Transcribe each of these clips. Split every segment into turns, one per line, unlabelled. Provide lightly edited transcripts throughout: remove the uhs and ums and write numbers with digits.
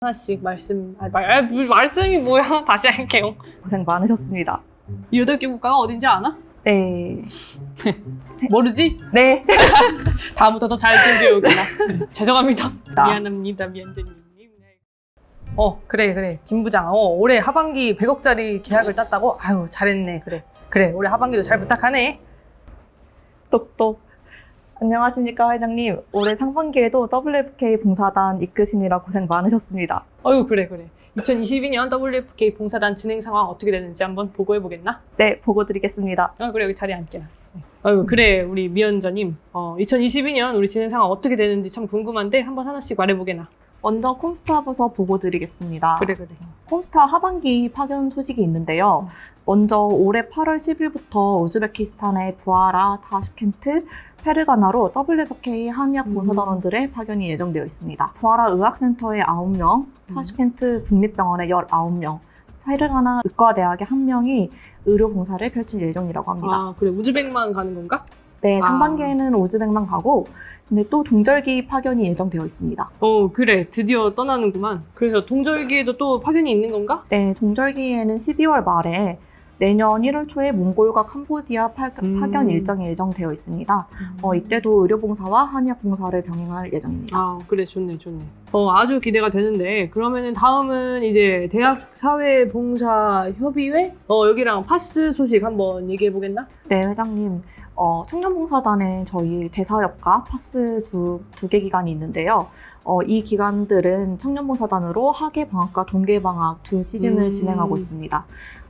하나씩 말씀이 뭐야? 다시 할게요.
고생 많으셨습니다.
이 8개 국가가 어딘지 아나?
네.
모르지?
네.
다음부터 더 잘 준비해오구나. 죄송합니다. 미안합니다, 미안재님. 그래. 김 부장. 올해 하반기 100억짜리 계약을 땄다고? 아유, 잘했네. 그래. 올해 하반기도 잘 부탁하네.
똑똑. 안녕하십니까, 회장님. 올해 상반기에도 WFK 봉사단 이끄시느라 고생 많으셨습니다.
아유, 그래. 2022년 WFK 봉사단 진행 상황 어떻게 되는지 한번 보고해보겠나?
네, 보고 드리겠습니다.
그래, 여기 자리에 앉게. 아유, 그래, 우리 미연자님. 2022년 우리 진행 상황 어떻게 되는지 참 궁금한데 한번 하나씩 말해보게나.
먼저 콤스타부터 보고 드리겠습니다.
그래.
콤스타 하반기 파견 소식이 있는데요. 먼저 올해 8월 10일부터 우즈베키스탄의 부하라, 타슈켄트, 페르가나로 WFK 한의학 봉사단원들의 파견이 예정되어 있습니다. 부하라 의학센터에 9명, 타슈켄트 국립병원에 19명, 페르가나 의과대학에 1명이 의료봉사를 펼칠 예정이라고 합니다.
아, 그래. 우즈벡만 가는 건가?
네, 상반기에는 우즈벡만 가고, 근데 또 동절기 파견이 예정되어 있습니다.
그래. 드디어 떠나는구만. 그래서 동절기에도 또 파견이 있는 건가?
네, 동절기에는 12월 말에 내년 1월 초에 몽골과 캄보디아 파견 일정이 예정되어 있습니다. 이때도 의료봉사와 한의학봉사를 병행할 예정입니다.
아, 그래. 좋네. 아주 기대가 되는데, 그러면은 다음은 이제 대학사회봉사협의회? 여기랑 파스 소식 한번 얘기해보겠나?
네, 회장님. 청년봉사단에 저희 대사협과 파스 두 개 기관이 있는데요. 이 기관들은 청년봉사단으로 학예방학과 동계방학 두 시즌을 진행하고 있습니다.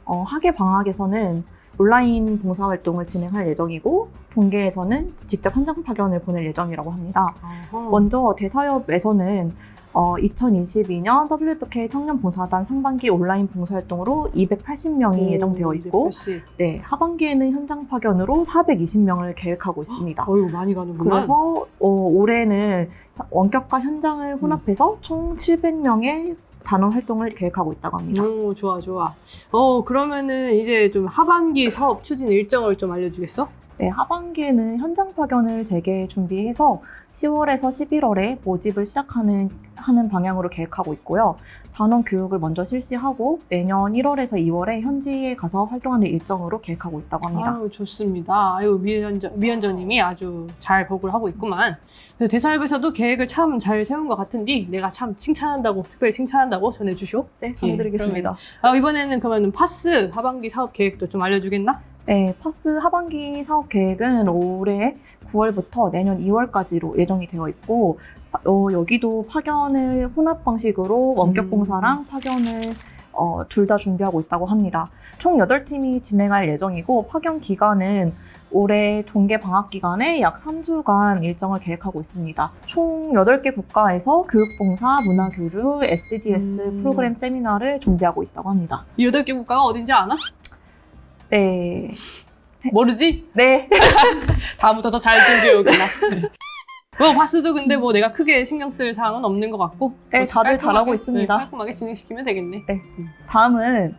학예방학에서는 온라인 봉사활동을 진행할 예정이고, 동계에서는 직접 현장 파견을 보낼 예정이라고 합니다. 먼저 대사협에서는 2022년 WFK 청년봉사단 상반기 온라인 봉사활동으로 280명이 예정되어 있고,
280.
네, 하반기에는 현장 파견으로 420명을 계획하고 있습니다.
많이 가는구만.
그래서 올해는 원격과 현장을 혼합해서 총 700명의 단원 활동을 계획하고 있다고 합니다.
좋아. 그러면은 이제 좀 하반기 사업 추진 일정을 좀 알려주겠어?
네, 하반기에는 현장 파견을 재개 준비해서 10월에서 11월에 모집을 시작하는 방향으로 계획하고 있고요. 단원 교육을 먼저 실시하고 내년 1월에서 2월에 현지에 가서 활동하는 일정으로 계획하고 있다고 합니다.
아유, 좋습니다. 아유, 미연자님이 아주 잘 보고를 하고 있구만. 그래서 대사협에서도 계획을 참 잘 세운 것 같은데 내가 참 특별히 칭찬한다고 전해주시오.
네, 전해드리겠습니다.
이번에는 그러면 파스 하반기 사업 계획도 좀 알려주겠나?
네, 파스 하반기 사업 계획은 올해 9월부터 내년 2월까지로 예정이 되어 있고, 여기도 파견을 혼합 방식으로 원격 봉사랑 파견을 둘 다 준비하고 있다고 합니다. 총 8팀이 진행할 예정이고, 파견 기간은 올해 동계 방학 기간에 약 3주간 일정을 계획하고 있습니다. 총 8개 국가에서 교육봉사, 문화교류, SDGs 프로그램 세미나를 준비하고 있다고 합니다.
이 8개 국가가 어딘지 아나?
네.
모르지?
네.
다음부터 더 잘 준비해오겠나? 파스도 근데 내가 크게 신경 쓸 사항은 없는 것 같고.
네, 다들 잘하고 있습니다.
깔끔하게 진행시키면 되겠네.
네. 다음은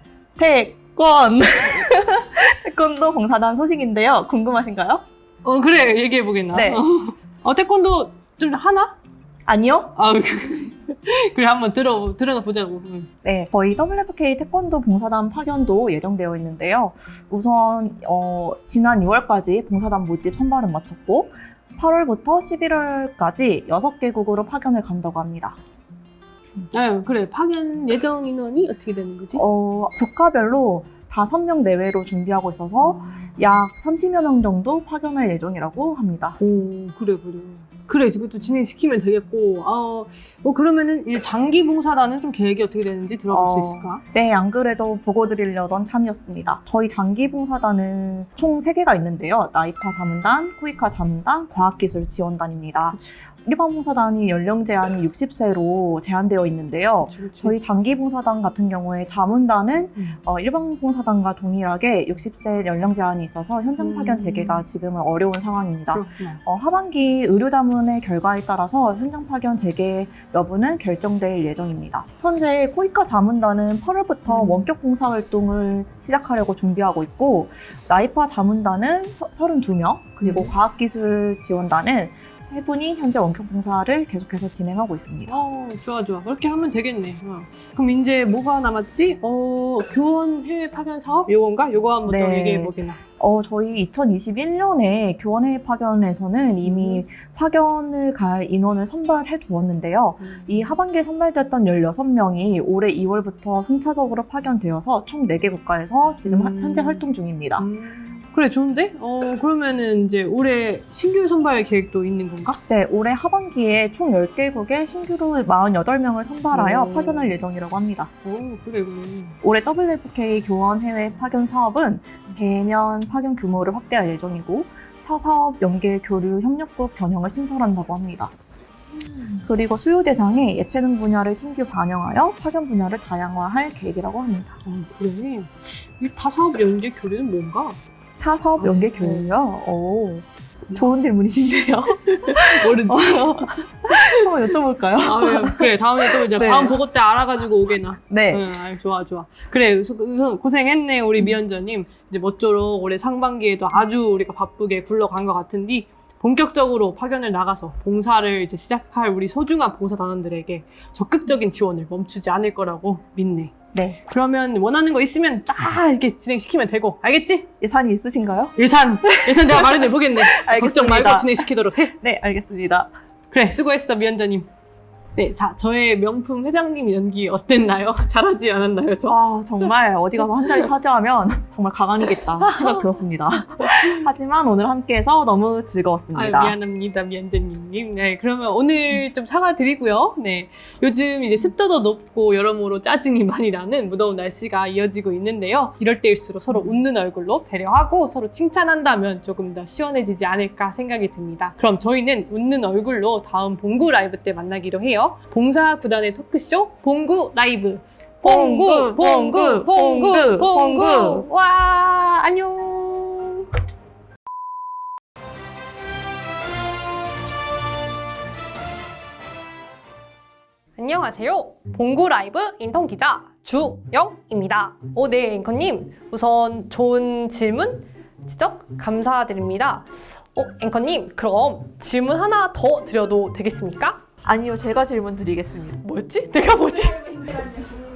태권도 봉사단 소식인데요. 궁금하신가요?
그래. 얘기해보겠나?
네.
태권도 좀 하나?
아니요.
그래, 한번 들어보자고.
네, 저희 WFK 태권도 봉사단 파견도 예정되어 있는데요. 우선 지난 6월까지 봉사단 모집 선발은 마쳤고 8월부터 11월까지 6개국으로 파견을 간다고 합니다.
그래. 파견 예정 인원이 어떻게 되는 거지?
국가별로 5명 내외로 준비하고 있어서 약 30여 명 정도 파견할 예정이라고 합니다.
그래, 이것도 진행시키면 되겠고. 그러면은 이 장기 봉사단은 좀 계획이 어떻게 되는지 들어볼 수 있을까?
네, 안 그래도 보고 드리려던 참이었습니다. 저희 장기 봉사단은 총 3개가 있는데요. 나이파 자문단, 코이카 자문단, 과학기술 지원단입니다. 일반 봉사단이 연령 제한이 60세로 제한되어 있는데요.
그렇지.
저희 장기 봉사단 같은 경우에 자문단은 일반 봉사단과 동일하게 60세 연령 제한이 있어서 현장 파견 재개가 지금은 어려운 상황입니다. 하반기 의료 자문의 결과에 따라서 현장 파견 재개 여부는 결정될 예정입니다. 현재 코이카 자문단은 8월부터 원격 봉사 활동을 시작하려고 준비하고 있고, 나이파 자문단은 32명, 그리고 과학기술 지원단은 세 분이 현재 원격 봉사를 계속해서 진행하고 있습니다.
좋아. 그렇게 하면 되겠네. 그럼 이제 뭐가 남았지? 교원 해외 파견 사업? 요건가? 요거 한번 또
네.
얘기해 보게나.
저희 2021년에 교원회의 파견에서는 이미 파견을 갈 인원을 선발해 두었는데요. 이 하반기에 선발됐던 16명이 올해 2월부터 순차적으로 파견되어서 총 4개 국가에서 지금 현재 활동 중입니다.
그래, 좋은데? 그러면은 이제 올해 신규 선발 계획도 있는 건가?
네, 올해 하반기에 총 10개국에 신규로 48명을 선발하여
오.
파견할 예정이라고 합니다.
그래.
올해 WFK 교원 해외 파견 사업은 대면 파견 규모를 확대할 예정이고 타사업 연계 교류 협력국 전형을 신설한다고 합니다. 그리고 수요 대상에 예체능 분야를 신규 반영하여 파견 분야를 다양화할 계획이라고 합니다.
그래. 이 타사업 연계 교류는 뭔가?
타사업 연계 교류요? 오, 좋은 질문이신데요.
모르지.
한번 여쭤볼까요?
그래. 다음에 또 이제
네.
다음 보고 때 알아가지고 오게나.
네.
좋아. 그래, 우선 고생했네, 우리 미연자님. 이제 모쪼록 올해 상반기에도 아주 우리가 바쁘게 굴러간 것 같은데, 본격적으로 파견을 나가서 봉사를 이제 시작할 우리 소중한 봉사단원들에게 적극적인 지원을 멈추지 않을 거라고 믿네.
네.
그러면 원하는 거 있으면 딱 이렇게 진행시키면 되고, 알겠지?
예산이 있으신가요?
예산 내가 마련해 보겠네. 걱정
알겠습니다.
말고 진행시키도록 해.
네, 알겠습니다.
그래, 수고했어, 미연자님. 네, 자, 저의 명품 회장님 연기 어땠나요? 잘하지 않았나요, 저?
정말 어디 가서 한 자리 차지하면 정말 가관이겠다 생각 들었습니다. 하지만 오늘 함께해서 너무 즐거웠습니다.
미안합니다, 미연자님. 네, 그러면 오늘 좀 사과드리고요. 네, 요즘 이제 습도도 높고 여러모로 짜증이 많이 나는 무더운 날씨가 이어지고 있는데요. 이럴 때일수록 서로 웃는 얼굴로 배려하고 서로 칭찬한다면 조금 더 시원해지지 않을까 생각이 듭니다. 그럼 저희는 웃는 얼굴로 다음 봉구 라이브 때 만나기로 해요. 봉사 구단의 토크쇼 봉구 라이브. 봉구. 와, 안녕. 안녕하세요. 봉구 라이브 인턴 기자 주영입니다. 네, 앵커님. 우선 좋은 질문, 지적 감사드립니다. 앵커님, 그럼 질문 하나 더 드려도 되겠습니까?
아니요, 제가 질문 드리겠습니다.
뭐였지? 내가 뭐지?